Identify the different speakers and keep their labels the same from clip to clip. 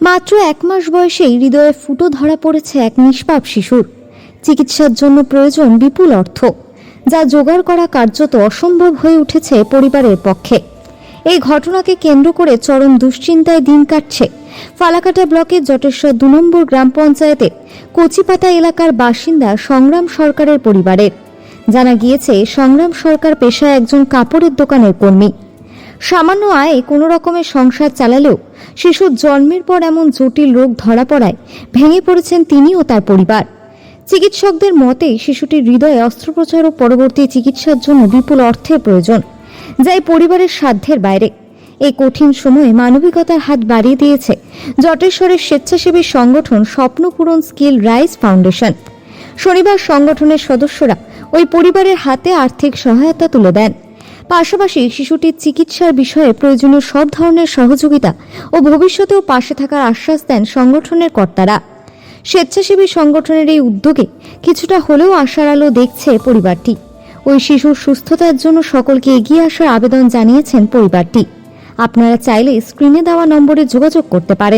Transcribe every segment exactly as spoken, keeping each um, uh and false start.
Speaker 1: মাত্র এক মাস বয়সেই হৃদয়ে ফুটো ধরা পড়েছে এক নিষ্পাপ শিশুর। চিকিৎসার জন্য প্রয়োজন বিপুল অর্থ, যা জোগাড় করা কার্যত অসম্ভব হয়ে উঠেছে পরিবারের পক্ষে। এই ঘটনাকে কেন্দ্র করে চরম দুশ্চিন্তায় দিন কাটছে ফালাকাটা ব্লকের জটেশ্বর দু নম্বর গ্রাম পঞ্চায়েতের কচিপাতা এলাকার বাসিন্দা সংগ্রাম সরকারের পরিবারের। জানা গিয়েছে, সংগ্রাম সরকার পেশায় একজন কাপড়ের দোকানের কর্মী। সামান্য আয়ে কোনো রকমের সংসার চালালেও শিশুর জন্মের পর এমন জটিল রোগ ধরা পড়ায় ভেঙে পড়েছেন তিনি ও তার পরিবার। চিকিৎসকদের মতে শিশুটির হৃদয়ে অস্ত্রোপচার ও পরবর্তী চিকিৎসার জন্য বিপুল অর্থের প্রয়োজন, যা এই পরিবারের সাধ্যের বাইরে। এই কঠিন সময়ে মানবিকতার হাত বাড়িয়ে দিয়েছে জটেশ্বরের স্বেচ্ছাসেবী সংগঠন স্বপ্নপূরণ স্কিল রাইজ ফাউন্ডেশন। শনিবার সংগঠনের সদস্যরা ওই পরিবারের হাতে আর্থিক সহায়তা তুলে দেন। পাশাপাশি শিশুটির চিকিৎসার বিষয়ে প্রয়োজনীয় সব ধরনের সহযোগিতা ও ভবিষ্যতেও পাশে থাকার আশ্বাস দেন সংগঠনের কর্তারা। স্বেচ্ছাসেবী সংগঠনের এই উদ্যোগে কিছুটা হলেও আশার আলো দেখছে পরিবারটি। ওই শিশুর সুস্থতার জন্য সকলকে এগিয়ে আসার আবেদন জানিয়েছেন পরিবারটি। আপনারা চাইলে স্ক্রিনে দেওয়া নম্বরে যোগাযোগ করতে পারেন।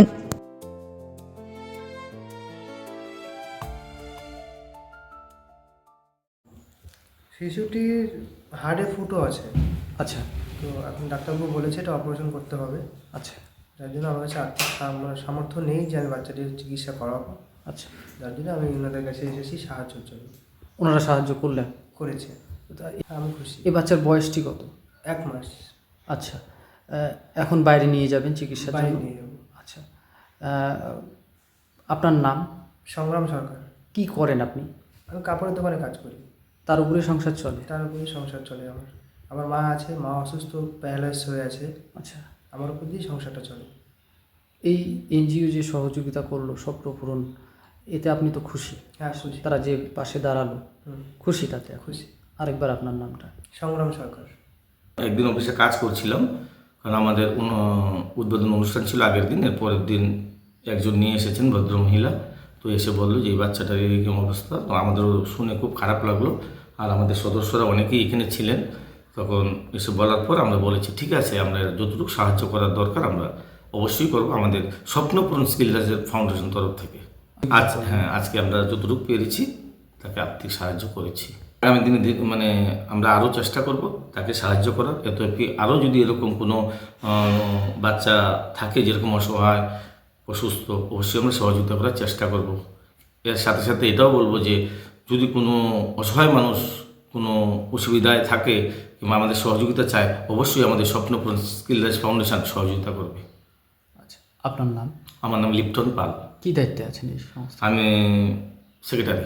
Speaker 2: শিশুটির হাড়ে ফুটো আছে।
Speaker 3: আচ্ছা,
Speaker 2: তো এখন ডাক্তারবাবু বলেছে এটা অপারেশন করতে হবে।
Speaker 3: আচ্ছা,
Speaker 2: যার জন্য আমার কাছে আর্থিক সাম- সামর্থ্য নেই যে আমি বাচ্চাটির চিকিৎসা করাবো।
Speaker 3: আচ্ছা।
Speaker 2: যার জন্য আমি ওনাদের কাছে এসেছি সাহায্যের জন্য।
Speaker 3: ওনারা সাহায্য করলেন?
Speaker 2: করেছে, তো আমি খুশি।
Speaker 3: এই বাচ্চার বয়সটি কত?
Speaker 2: এক মাস।
Speaker 3: আচ্ছা, আহ, এখন বাইরে নিয়ে যাবেন চিকিৎসার
Speaker 2: বাইরে
Speaker 3: জন্য?
Speaker 2: নিয়ে যাবো।
Speaker 3: আচ্ছা, আহ, আপনার নাম?
Speaker 2: সংগ্রাম সরকার।
Speaker 3: কি করেন আপনি?
Speaker 2: আমি কাপড়ের দোকানে কাজ করি।
Speaker 3: তার উপরে সংসার চলে?
Speaker 2: তার উপরেই সংসার চলে আমার। আমার মা আছে, মা অসুস্থ, প্যারালাইসিস হয়ে আছে।
Speaker 3: আচ্ছা,
Speaker 2: আমার উপর দিয়েই সংসারটা চলে।
Speaker 3: এই এনজিও যে সহযোগিতা করলো স্বপ্নপূরণ, এতে আপনি তো খুশি?
Speaker 2: হ্যাঁ খুশি।
Speaker 3: তারা যে পাশে দাঁড়ালো,
Speaker 2: হুম,
Speaker 3: খুশি তাতে?
Speaker 2: খুশি।
Speaker 3: আরেকবার আপনার নামটা?
Speaker 2: সংগ্রাম সরকার।
Speaker 4: একদিন অফিসে কাজ করছিলাম, কারণ আমাদের উন- উদ্বোধন অনুষ্ঠান ছিল আগের দিন। এর পরের দিন একজন নিয়ে এসেছেন ভদ্রমহিলা, তো এসে বললো যে এই বাচ্চাটার এরকম অবস্থা। তো আমাদেরও শুনে খুব খারাপ লাগলো, আর আমাদের সদস্যরা অনেকেই এখানে ছিলেন। তখন এসে বলার পর আমরা বলেছি ঠিক আছে, আমরা যতটুকু সাহায্য করার দরকার আমরা অবশ্যই করবো আমাদের স্বপ্নপূরণ স্কিল রাইজ ফাউন্ডেশন তরফ থেকে। আজ হ্যাঁ আজকে আমরা যতটুকু পেরেছি তাকে আর্থিক সাহায্য করেছি। আগামী দিনে দি- মানে আমরা আরও চেষ্টা করব তাকে সাহায্য করার। এত আরও যদি এরকম কোনো আহ, বাচ্চা থাকে যেরকম অসহায় অসুস্থ, অবশ্যই আমরা সহযোগিতা করার চেষ্টা করব। এর সাথে সাথে এটাও বলবো যে যদি কোনো অসহায় মানুষ কোনো অসুবিধায় থাকে কিংবা আমাদের সহযোগিতা চায়, অবশ্যই আমাদের স্বপ্নপূরণ স্কিল রাইজ ফাউন্ডেশন সহযোগিতা করবে।
Speaker 3: আচ্ছা, আপনার নাম?
Speaker 4: আমার নাম লিপ্টন পাল,
Speaker 3: কি দায়িত্বে আছেন এই সংস্থা?
Speaker 4: আমি সেক্রেটারি।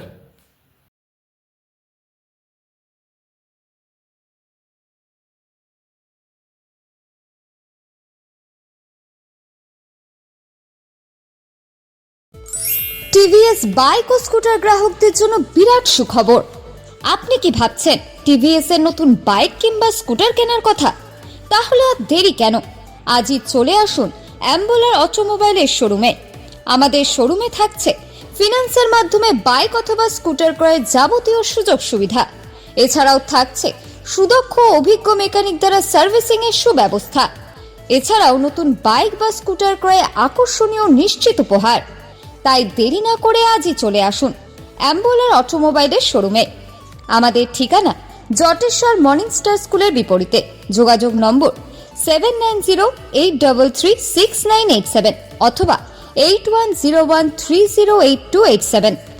Speaker 1: টিভিএস বাইক ও স্কুটার গ্রাহকদের জন্য বিরাট সুখবর। আপনি কি ভাবছেন টিভিএস এর নতুন বাইক কিংবা স্কুটার কেনার কথা? তাহলে আর দেরি কেন, আজই চলে আসুন অ্যাম্বুলার অটোমোবাইলের শোরুমে। আমাদের শোরুমে থাকছে ফিন্যান্সের মাধ্যমে বাইক অথবা স্কুটার ক্রয়ের যাবতীয় সুযোগ সুবিধা। এছাড়াও থাকছে সুদক্ষ অভিজ্ঞ মেকানিক দ্বারা সার্ভিসিং এর সুব্যবস্থা। এছাড়াও নতুন বাইক বা স্কুটার ক্রয়ে আকর্ষণীয় নিশ্চিত উপহার। তাই দেরি না করে আজই চলে আসুন অ্যাম্বুলার অটোমোবাইলের শোরুমে। আমাদের ঠিকানা জটেশ্বর মর্নিং স্টার স্কুলের বিপরীতে। যোগাযোগ number seven nine zero eight double three six nine eight seven অথবা eight one zero one three zero eight two eight seven.